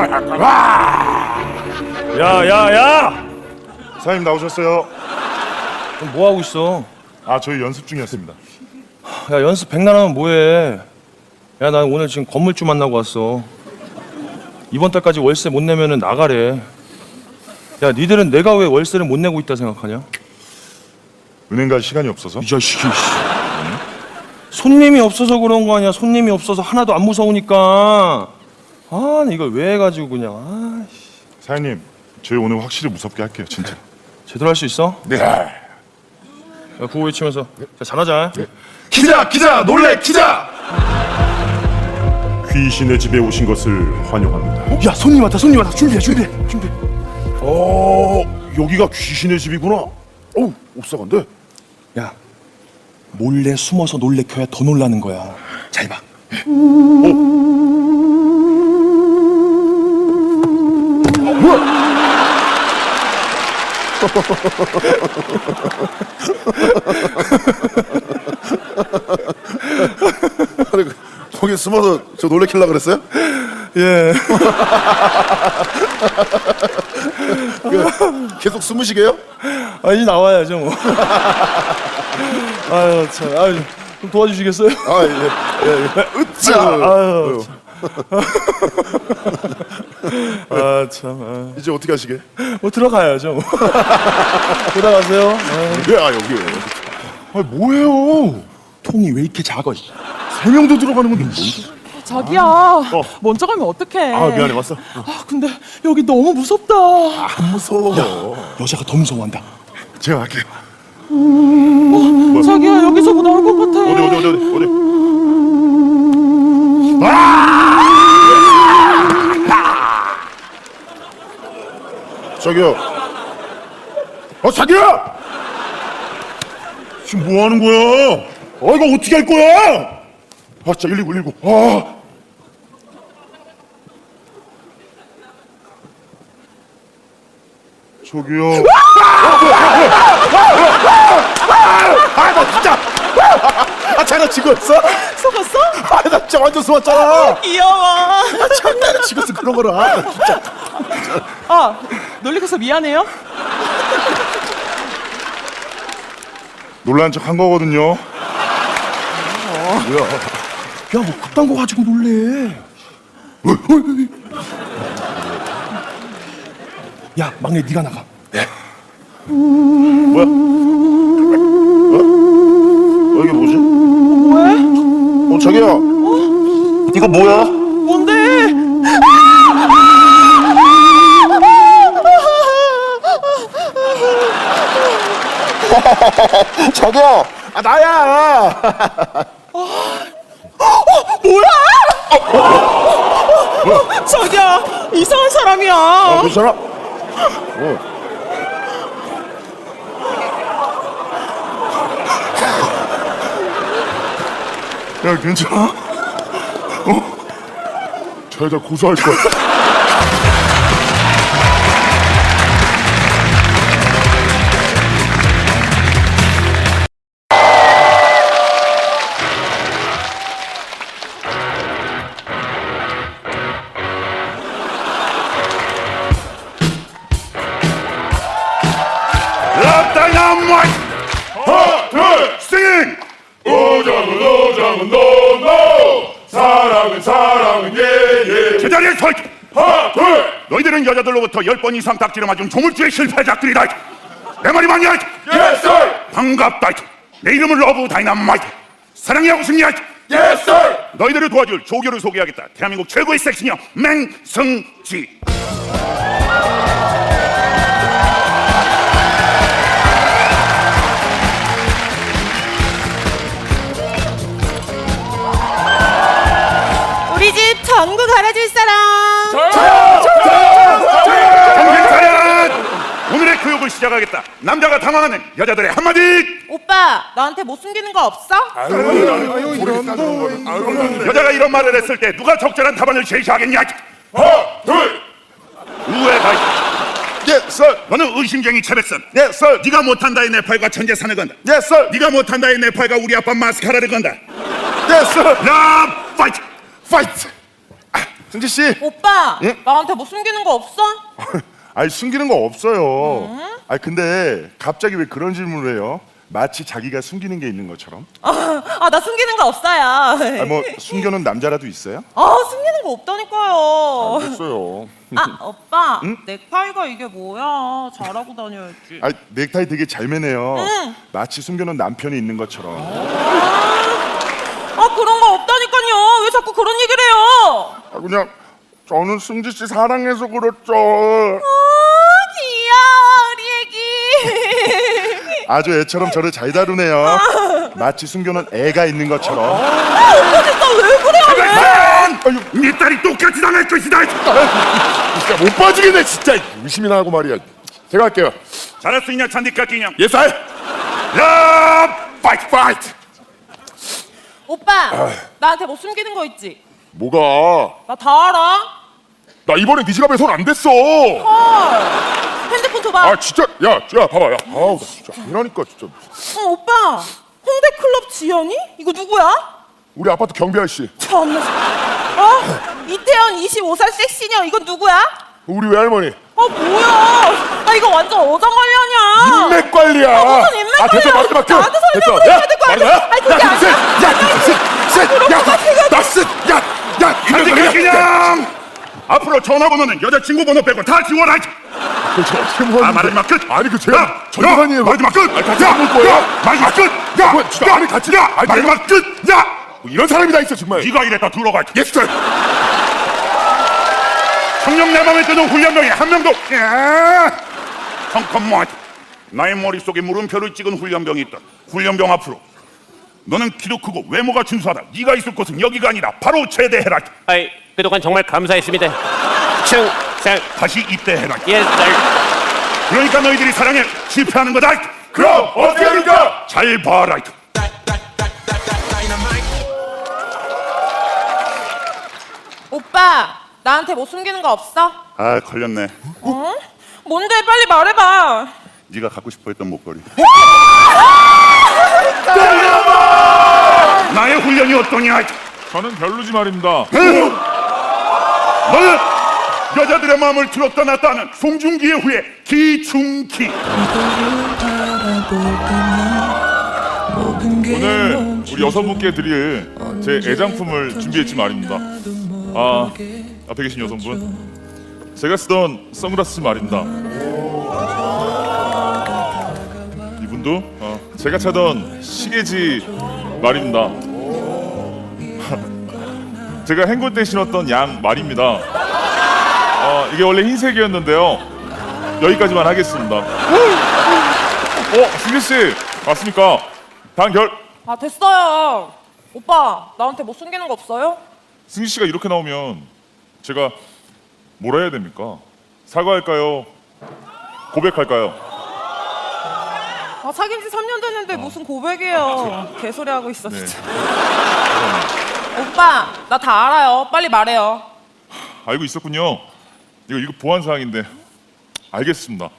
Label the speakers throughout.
Speaker 1: 야야야!
Speaker 2: 사장님 나오셨어요?
Speaker 1: 그럼 뭐 하고 있어?
Speaker 2: 아, 저희 연습 중이었습니다.
Speaker 1: 야, 연습 백날하면 뭐해? 야, 나 오늘 지금 건물주 만나고 왔어. 이번 달까지 월세 못 내면은 나가래. 야, 니들은 내가 왜 월세를 못 내고 있다 생각하냐?
Speaker 2: 은행 갈 시간이 없어서.
Speaker 1: 이 자식이. 손님이 없어서 그런 거 아니야? 손님이 없어서 하나도 안 무서우니까. 아, 이걸 왜 해가지고 그냥. 아,
Speaker 2: 사장님, 저희 오늘 확실히 무섭게 할게요, 진짜.
Speaker 1: 제대로 할 수 있어?
Speaker 2: 네.
Speaker 1: 야, 구호 외치면서. 자, 잘하자.
Speaker 2: 기자, 놀래, 기자! 귀신의 집에 오신 것을 환영합니다.
Speaker 1: 야, 손님 왔다. 준비해.
Speaker 2: 여기가 귀신의 집이구나. 어우, 옵사간데.
Speaker 1: 야, 몰래 숨어서 놀래켜야 더 놀라는 거야. 잘 봐.
Speaker 3: 아니, 거기 숨어서 저 놀래키려고 그랬어요?
Speaker 1: 예.
Speaker 3: 계속 숨으시게요?
Speaker 1: 아, 이제 나와야죠, 뭐. 아유, 참. 아유, 좀 도와주시겠어요?
Speaker 3: 아, 예. 으짜!
Speaker 1: 아유, 참. 아, 참.
Speaker 3: 이제 어떻게 하시게?
Speaker 1: 뭐 들어가야죠, 뭐. 들어가세요.
Speaker 3: 여기.
Speaker 2: 아, 뭐예요?
Speaker 1: 통이 왜 이렇게 작아?
Speaker 2: 세 명도 들어가는 건데 뭐?
Speaker 4: 자기야, 먼저 가면 어떡해?
Speaker 2: 아, 미안해, 왔어.
Speaker 4: 아, 근데 여기 너무 무섭다.
Speaker 3: 안 무서워.
Speaker 1: 여자가 더 무서워한다.
Speaker 2: 제가 할게요.
Speaker 4: 자기야, 여기서 뭐 나올 것 같아.
Speaker 2: 어디.
Speaker 3: 저기요.
Speaker 2: 자기야! 지금 뭐 하는 거야? 이거 어떻게 할 거야? 진짜 119. 저기요.
Speaker 3: 나 진짜. 장난 치고 있어?
Speaker 4: 속았어?
Speaker 3: 나 진짜 완전 속았잖아.
Speaker 4: 귀여워.
Speaker 3: 장난을 치고 있어, 그런 거를. 나 진짜.
Speaker 4: 아, 놀리켜서 미안해요.
Speaker 2: 놀란 척 한 거거든요.
Speaker 1: 야, 뭐 그딴 거 가지고 놀래. 야, 막내 네가 나가.
Speaker 2: 뭐야? 이게 뭐지?
Speaker 4: 왜?
Speaker 3: 자기야.
Speaker 2: 이거 뭐야?
Speaker 4: 뭔데?
Speaker 3: 자기야. 나야.
Speaker 4: 자기야, 이상한 사람이야.
Speaker 3: 괜찮아?
Speaker 2: 야, 괜찮아? 저 여자 고소할 거야. 다이너마이트! 하나, 둘, 싱! 오장은 노노! 사랑은 예예! 제자리에 서 있게! 하나, 둘! 너희들은 여자들로부터 10번 이상 딱지를 맞은 조물주의 실패작들이다! 내 말이 맞냐? Yes, sir! 반갑다! 내 이름은 러브 다이너마이트! 사랑이하고 승리할! Yes, sir! 너희들을 도와줄 조교를 소개하겠다! 대한민국 최고의 섹시녀 맹승지!
Speaker 4: 우리 집 전구 갈아줄 사람.
Speaker 2: 정신차려! 오늘의 교육을 시작하겠다. 남자가 당황하는 여자들의 한마디.
Speaker 4: 오빠, 나한테 못 숨기는 거 없어?
Speaker 2: 여자가 이런 말을 했을 때 누가 적절한 답안을 제시하겠냐? 하나, 둘. 우회가.
Speaker 3: 예, 썰.
Speaker 2: 너는 의심쟁이 최백선.
Speaker 3: 예, 썰.
Speaker 2: 네가 못한다의 네팔과 천재산을 건다.
Speaker 3: 예, 썰.
Speaker 2: 네가 못한다의 네팔과 우리 아빠 마스카라를 건다.
Speaker 3: 예, 썰.
Speaker 2: 라 파이트.
Speaker 3: 파이트. 승지 씨.
Speaker 4: 오빠,
Speaker 3: 예?
Speaker 4: 나한테 뭐 숨기는 거 없어?
Speaker 3: 아니 숨기는 거 없어요. 아니 근데 갑자기 왜 그런 질문을 해요? 마치 자기가 숨기는 게 있는 것처럼.
Speaker 4: 나 숨기는 거 없어요.
Speaker 3: 아니 뭐 숨겨놓은 남자라도 있어요?
Speaker 4: 숨기는 거 없다니까요.
Speaker 3: 없어요.
Speaker 4: 오빠, 넥타이가 이게 뭐야? 잘하고 다녀야지.
Speaker 3: 아니 넥타이 되게 잘 매네요.
Speaker 4: 응.
Speaker 3: 마치 숨겨놓은 남편이 있는 것처럼.
Speaker 4: 그런 거 없다니까요. 왜 자꾸 그런 얘기를 해요?
Speaker 3: 아 그냥 저는 승지 씨 사랑해서 그렇죠.
Speaker 4: 귀여워, 우리 애기.
Speaker 3: 아주 애처럼 저를 잘 다루네요. 마치 숨겨놓은 애가 있는 것처럼.
Speaker 4: 오빠 진짜 왜 그래요? 왜?
Speaker 3: 아유,
Speaker 2: 네 딸이 똑같이 당할 것이다.
Speaker 3: 진짜 못 봐주겠네 진짜. 의심이나 하고 말이야. 제가 할게요.
Speaker 2: 잘할 수 있냐 잔디까 끼냐?
Speaker 3: 예스 아이. 야 파이트 파이트.
Speaker 4: 오빠, 나한테 뭐 숨기는 거 있지?
Speaker 3: 뭐가?
Speaker 4: 나 다 알아.
Speaker 3: 나 이번엔 네 지갑에 손 안 댔어.
Speaker 4: 헐. 핸드폰 줘봐.
Speaker 3: 아 진짜 야 봐봐 야. 아우 나 진짜 이러니까 진짜.
Speaker 4: 오빠, 홍대 클럽 지연이? 이거 누구야?
Speaker 3: 우리 아파트 경비 아저씨.
Speaker 4: 참나. 이태원 25살 섹시녀, 이건 누구야?
Speaker 3: 우리 외할머니.
Speaker 4: 뭐야? 이거 완전 어장 관련이야.
Speaker 3: 인맥 관리야.
Speaker 4: 무슨 인맥 관리야?
Speaker 3: 됐어 말도 맡겨.
Speaker 4: 나한테 소리 내고 해야 될거 아니야? 아니, 그게 아니야.
Speaker 3: 야
Speaker 2: 잔디까 끼냐? 앞으로 전화번호는 여자친구 번호 빼고 다 지워라.
Speaker 3: 그렇죠. 어떻게 뭐
Speaker 2: 말하지 마 끝.
Speaker 3: 아니 그 제가 전화관이에요.
Speaker 2: 말하지 마 끝.
Speaker 3: 같이 안 볼 거예요.
Speaker 2: 말하지 마 끝.
Speaker 3: 야 아니 같이 야
Speaker 2: 말하지 마 끝. 야,
Speaker 3: 뭐 이런 사람이 다 있어 정말.
Speaker 2: 네가 이랬다 들어가.
Speaker 3: 예스.
Speaker 2: 청룡 내 맘에 드는 훈련병이 한 명도. 잠깐만. 나의 머릿속에 물음표를 찍은 훈련병이 있다. 훈련병 앞으로. 너는 키도 크고 외모가 준수하다. 네가 있을 곳은 여기가 아니라 바로 제대해라.
Speaker 5: 아이, 그동안 정말 감사했습니다. 충성.
Speaker 2: 다시 입대해라.
Speaker 5: 예, 날.
Speaker 2: 그러니까 너희들이 사랑에 실패하는 거다.
Speaker 3: 그럼 어떻게 합니까?
Speaker 2: 잘 봐라.
Speaker 4: 오빠, 나한테 뭐 숨기는 거 없어?
Speaker 2: 아 걸렸네.
Speaker 4: 뭔데? 빨리 말해봐.
Speaker 2: 네가 갖고 싶어했던 목걸이. 나의 훈련이 어떠냐?
Speaker 6: 저는 별로지 말입니다.
Speaker 2: 너는 여자들의 마음을 들었다 놨다 하는 송중기의 후예 기중기.
Speaker 6: 오늘 우리 여성분께 드릴 제 애장품을 준비했지 말입니다. 앞에 계신 여성분, 제가 쓰던 선글라스 말입니다. 이분도 제가 차던 시계지 말입니다. 제가 행군 때 신었던 양 말입니다. 이게 원래 흰색이었는데요. 여기까지만 하겠습니다. 승규 씨 맞습니까? 단결.
Speaker 4: 됐어요. 오빠, 나한테 뭐 숨기는 거 없어요?
Speaker 6: 승규 씨가 이렇게 나오면 제가 뭐라 해야 됩니까? 사과할까요? 고백할까요?
Speaker 4: 사귄 지 3년 됐는데 무슨 고백이에요. 개소리 하고 있어, 진짜. 오빠, 나 다 알아요. 빨리 말해요.
Speaker 6: 알고 있었군요. 이거 보안 사항인데 알겠습니다.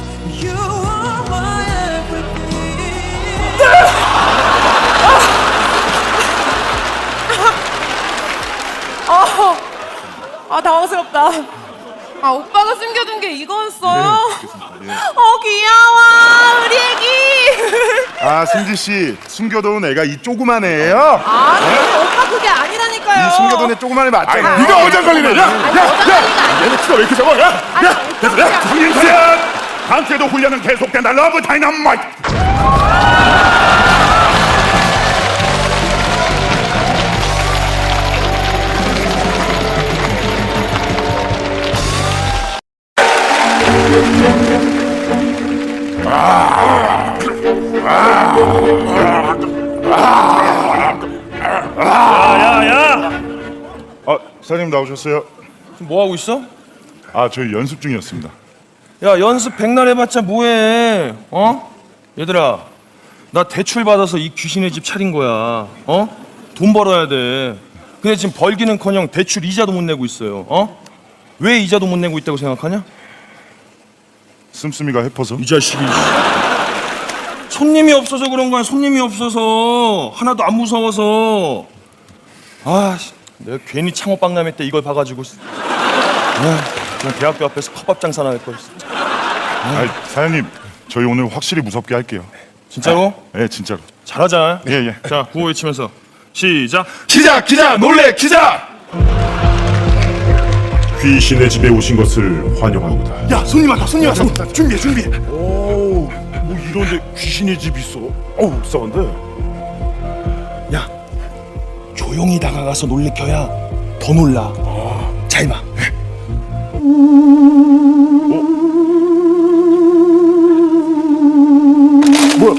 Speaker 4: 당황스럽다. 오빠가 숨겨둔 게 이거였어요?
Speaker 6: 네,
Speaker 4: 귀여워, 우리 애기.
Speaker 3: 아 승지 씨 숨겨둔 애가 이 조그만 애예요?
Speaker 4: 오빠 그게 아니라니까요.
Speaker 3: 이 숨겨둔 애 조그만 애 맞잖아.
Speaker 6: 네가 어장 걸리네.
Speaker 3: 얘네 키가 왜 이렇게 작아? 야
Speaker 2: 정인사연 다음 주에도 훈련은 계속된다. 러브 다이너마이트.
Speaker 3: 사장님 나오셨어요?
Speaker 1: 지금 뭐 하고 있어?
Speaker 3: 저희 연습 중이었습니다.
Speaker 1: 야, 연습 백날 해봤자 뭐해? 얘들아, 나 대출 받아서 이 귀신의 집 차린 거야. 돈 벌어야 돼. 근데 지금 벌기는커녕 대출 이자도 못 내고 있어요. 왜 이자도 못 내고 있다고 생각하냐?
Speaker 3: 씀씀이가 해퍼서.
Speaker 1: 이 자식이. 손님이 없어서 그런 거야. 손님이 없어서 하나도 안 무서워서. 내가 괜히 창호 박람회 때 이걸 봐가지고 그냥 대학교 앞에서 컵밥 장사나 할 걸.
Speaker 3: 아, 사장님, 저희 오늘 확실히 무섭게 할게요.
Speaker 1: 진짜로?
Speaker 3: 네, 진짜로.
Speaker 1: 잘하자.
Speaker 3: 예, 예.
Speaker 1: 자, 구호 외치면서 시작.
Speaker 2: 기자 놀래 기자. 귀신의 집에 오신 것을 환영합니다.
Speaker 3: 야, 손님 왔다. 준비해. 오, 뭐 이런데 귀신의 집 있어? 어우, 싸운데.
Speaker 1: 야, 조용히 다가가서 놀래켜야 더 놀라. 잘 봐.
Speaker 3: 뭐야?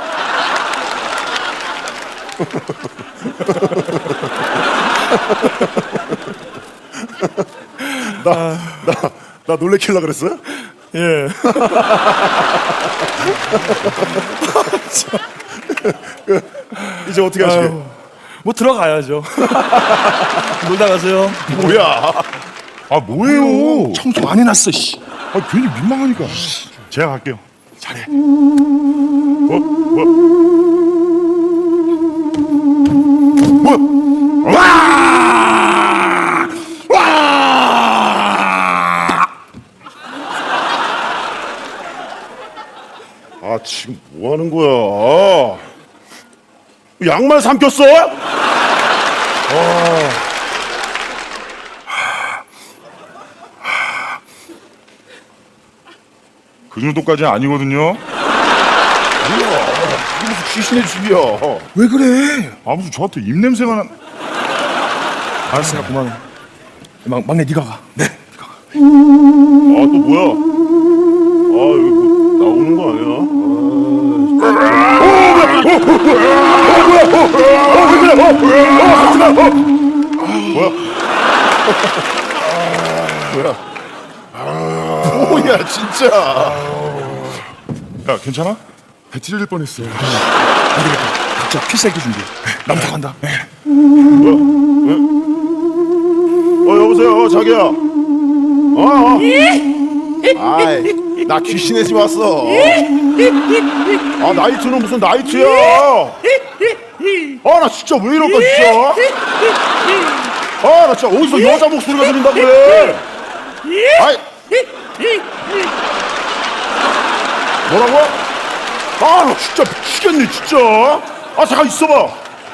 Speaker 3: 나 놀래킬라 그랬어요?
Speaker 1: 예.
Speaker 3: 이제 어떻게 하시게?
Speaker 1: 뭐 들어가야죠. 놀다 가세요.
Speaker 3: 뭐야? 아, 뭐예요?
Speaker 1: 청소 많이 났어. 씨.
Speaker 3: 아, 괜히 민망하니까. 제가 갈게요.
Speaker 1: 잘해.
Speaker 3: 아, 지금 뭐 하는 거야? 양말 삼켰어? 그 정도까지는 아니거든요. 뭐야? 이게 무슨 귀신의 집이야?
Speaker 1: 왜 그래?
Speaker 3: 아, 무슨 저한테 입냄새가 나.
Speaker 1: 알았으니까 그만해. 막내 네가 가. 네.
Speaker 3: 아, 또 뭐야? 아, 여기 뭐 나오는 거 아니야? 뭐야, 진짜. 야, 괜찮아? 배 찢어질 뻔했어.
Speaker 1: 각자 필살기 준비해. 남자 간다.
Speaker 3: 여보세요, 자기야. 아이, 나 귀신의 집 왔어. 아, 나이트는 무슨 나이트야? 아, 나 진짜 왜 이럴까, 진짜? 아, 나 진짜 어디서 여자 목소리가 들린다 그래? 아이, 뭐라고? 아, 나 진짜 미치겠네, 진짜. 아, 잠깐 있어봐.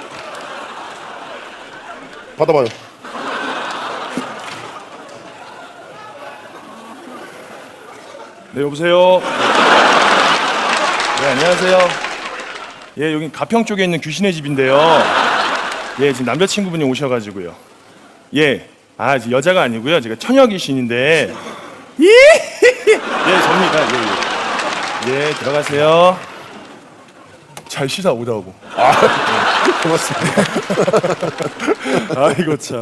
Speaker 3: 받아봐요.
Speaker 1: 네, 여보세요. 네, 안녕하세요. 예, 여기 가평 쪽에 있는 귀신의 집인데요. 예, 지금 남자친구분이 오셔가지고요. 예, 지금 여자가 아니고요. 제가 처녀 귀신인데. 예, 접니다. 예, 들어가세요. 잘 쉬다 오다오고. 고맙습니다. 아이고 참.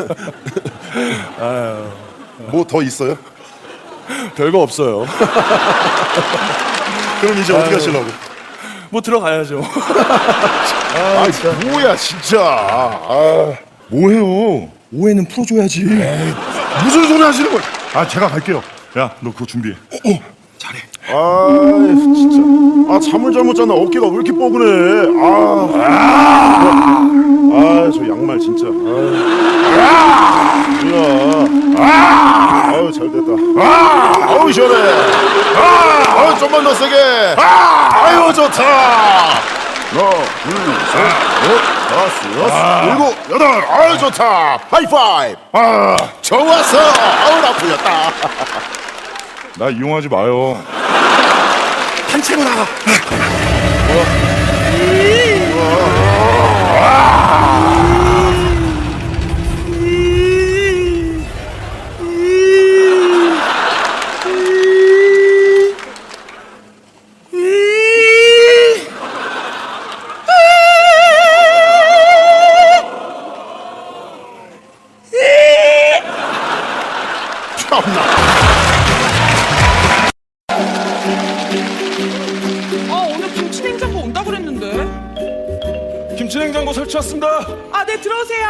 Speaker 3: 뭐 더 있어요?
Speaker 1: 별거 없어요.
Speaker 3: 그럼 이제 어떻게 하시려고?
Speaker 1: 뭐 들어가야죠.
Speaker 3: 아, 뭐야, 진짜. 아, 뭐해요?
Speaker 1: 오해는 풀어줘야지.
Speaker 3: 무슨 소리 하시는 거야? 아, 제가 갈게요. 야, 너 그거 준비해.
Speaker 1: 잘해.
Speaker 3: 아, 진짜. 아, 잠을 잘못 잤나? 어깨가 왜 이렇게 뻐근해? 저 양말 진짜. 아유, 잘 됐다. 아우, 시원해. 아유, 좀만 더 세게. 아유, 좋다. 하나, 둘, 셋, 넷, 다섯, 여섯, 일곱, 여덟. 아유, 좋다. 하이파이브. 좋았어. 아우, 나 풀렸다. 나 이용하지 마요.
Speaker 1: 단체로 나가.
Speaker 4: 오늘 김치냉장고 온다 그랬는데.
Speaker 1: 김치냉장고 설치 왔습니다.
Speaker 4: 네, 들어오세요.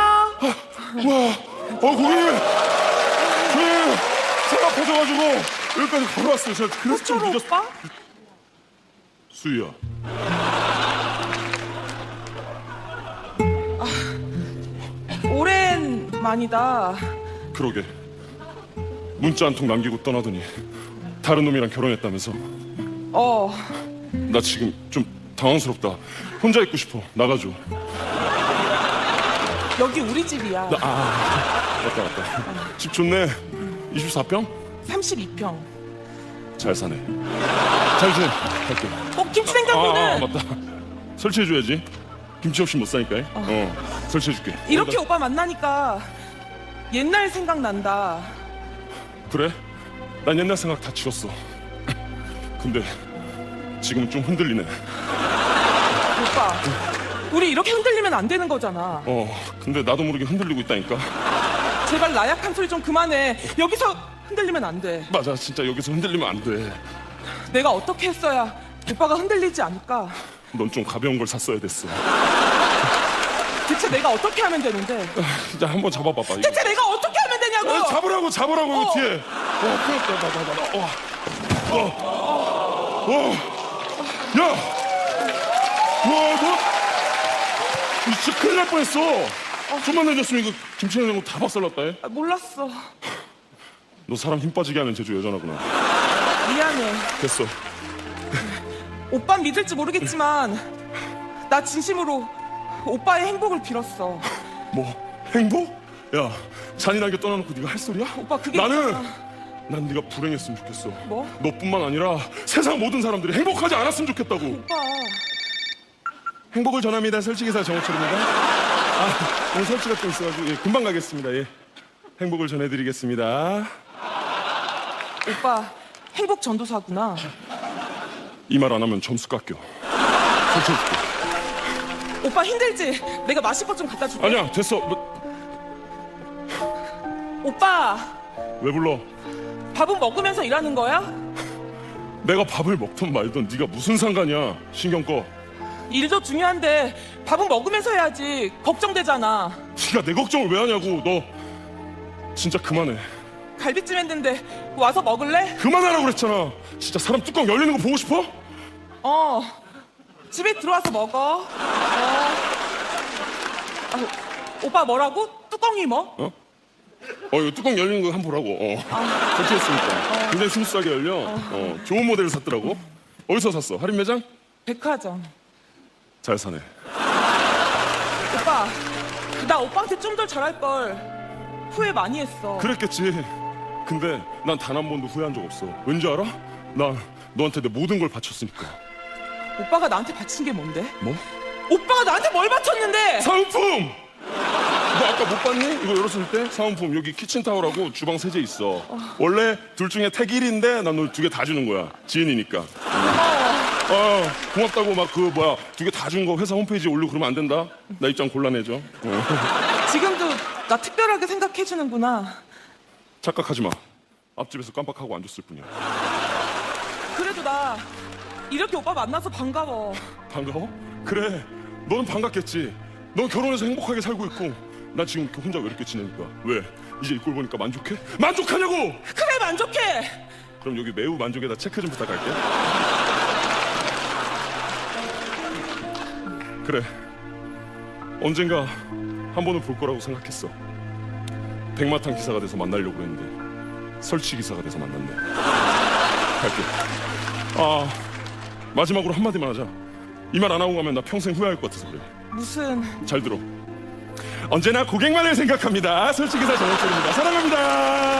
Speaker 3: 고객님. 차가 퍼져가지고 여기까지 걸어왔어요. 제가 그래서 좀
Speaker 4: 어쩌로
Speaker 3: 늦었어.
Speaker 4: 오빠?
Speaker 3: 수희야.
Speaker 4: 오랜
Speaker 7: 아니다.
Speaker 3: 그러게. 문자 한 통 남기고 떠나더니 다른 놈이랑 결혼했다면서. 나 지금 좀 당황스럽다. 혼자 있고 싶어. 나가줘.
Speaker 7: 여기 우리 집이야.
Speaker 3: 맞다. 집 좋네. 24평?
Speaker 7: 32평.
Speaker 3: 잘 사네. 잘 지내. 갈게.
Speaker 7: 김치 냉장고는
Speaker 3: 맞다. 설치해줘야지. 김치 없이 못 사니까. 설치해줄게.
Speaker 7: 이렇게 오빠 만나니까 옛날 생각난다.
Speaker 3: 그래? 난 옛날 생각 다 지웠어. 근데 지금은 좀 흔들리네.
Speaker 7: 오빠, 우리 이렇게 흔들리면 안 되는 거잖아.
Speaker 3: 근데 나도 모르게 흔들리고 있다니까.
Speaker 7: 제발 나약한 소리 좀 그만해. 여기서 흔들리면 안 돼.
Speaker 3: 맞아, 진짜 여기서 흔들리면 안 돼.
Speaker 7: 내가 어떻게 했어야 오빠가 흔들리지 않을까?
Speaker 3: 넌 좀 가벼운 걸 샀어야 됐어.
Speaker 7: 대체 내가 어떻게 하면 되는데?
Speaker 3: 진짜 한번 잡아봐봐. 이거.
Speaker 7: 대체 내가 어떻게 하면 되냐고!
Speaker 3: 잡으라고 이거 뒤에. 큰일 났다. 야, 너 진짜 큰일 날 뻔했어. 좀만 늦었으면 이거 김치 냉장고 다 박살났다. 해.
Speaker 7: 몰랐어.
Speaker 3: 너 사람 힘 빠지게 하는 제주 여자나구나.
Speaker 7: 미안해.
Speaker 3: 됐어.
Speaker 7: 오빤 믿을지 모르겠지만 나 진심으로 오빠의 행복을 빌었어.
Speaker 3: 뭐 행복? 야, 잔인하게 떠나놓고 네가 할 소리야?
Speaker 7: 오빠 그게
Speaker 3: 나는
Speaker 7: 있잖아.
Speaker 3: 난 네가 불행했으면 좋겠어.
Speaker 7: 뭐?
Speaker 3: 너뿐만 아니라 세상 모든 사람들이 행복하지 않았으면 좋겠다고.
Speaker 7: 오빠
Speaker 3: 행복을 전합니다. 설치기사 정호철입니다. 오늘 설치가 좀 있어가지고 금방 가겠습니다. 행복을 전해드리겠습니다.
Speaker 7: 오빠 행복 전도사구나.
Speaker 3: 이 말 안 하면 점수 깎여. 설치해줄게.
Speaker 7: 오빠 힘들지? 내가 마실 것 좀 갖다 줄게.
Speaker 3: 아니야, 됐어.
Speaker 7: 오빠
Speaker 3: 왜 불러?
Speaker 7: 밥은 먹으면서 일하는 거야?
Speaker 3: 내가 밥을 먹던 말던 네가 무슨 상관이야. 신경 꺼.
Speaker 7: 일도 중요한데 밥은 먹으면서 해야지. 걱정되잖아.
Speaker 3: 네가 내 걱정을 왜 하냐고. 너 진짜 그만해.
Speaker 7: 갈비찜 했는데 와서 먹을래?
Speaker 3: 그만하라고 그랬잖아. 진짜 사람 뚜껑 열리는 거 보고 싶어?
Speaker 7: 집에 들어와서 먹어. 오빠 뭐라고? 뚜껑이 뭐?
Speaker 3: 이거 뚜껑 열리는 거 한번 보라고. 설치했으니까. 굉장히 스무스하게 열려. 좋은 모델을 샀더라고. 어디서 샀어? 할인 매장?
Speaker 7: 백화점.
Speaker 3: 잘 사네.
Speaker 7: 오빠 나 오빠한테 좀 더 잘할 걸 후회 많이 했어.
Speaker 3: 그랬겠지. 근데 난 단 한 번도 후회한 적 없어. 왠지 알아? 나 너한테 내 모든 걸 바쳤으니까.
Speaker 7: 오빠가 나한테 바친 게 뭔데?
Speaker 3: 뭐?
Speaker 7: 오빠가 나한테 뭘 바쳤는데?
Speaker 3: 사은품! 너 아까 못 봤니? 이거 열었을 때 사은품 여기 키친타월하고 주방 세제 있어. 원래 둘 중에 택 1인데 난 너 두 개 다 주는 거야. 지인이니까. 고맙다고 막 두 개 다 준 거 회사 홈페이지에 올리고 그러면 안 된다. 나 입장 곤란해져.
Speaker 7: 지금도 나 특별하게 생각해주는구나.
Speaker 3: 착각하지 마. 앞집에서 깜빡하고 앉았을 뿐이야.
Speaker 7: 그래도 나 이렇게 오빠 만나서 반가워.
Speaker 3: 반가워? 그래. 너는 반갑겠지. 넌 결혼해서 행복하게 살고 있고 나 지금 이렇게 혼자 외롭게 지내니까. 왜? 이제 이 꼴 보니까 만족해? 만족하냐고!
Speaker 7: 그래 만족해.
Speaker 3: 그럼 여기 매우 만족에다 체크 좀 부탁할게. 그래. 언젠가 한 번은 볼 거라고 생각했어. 백마탄 기사가 돼서 만나려고 했는데 설치 기사가 돼서 만났네. 갈게. 마지막으로 한마디만 하자. 이 말 안 하고 가면 나 평생 후회할 것 같아서 그래.
Speaker 7: 무슨
Speaker 3: 잘 들어. 언제나 고객만을 생각합니다. 설치 기사 정호철입니다. 사랑합니다.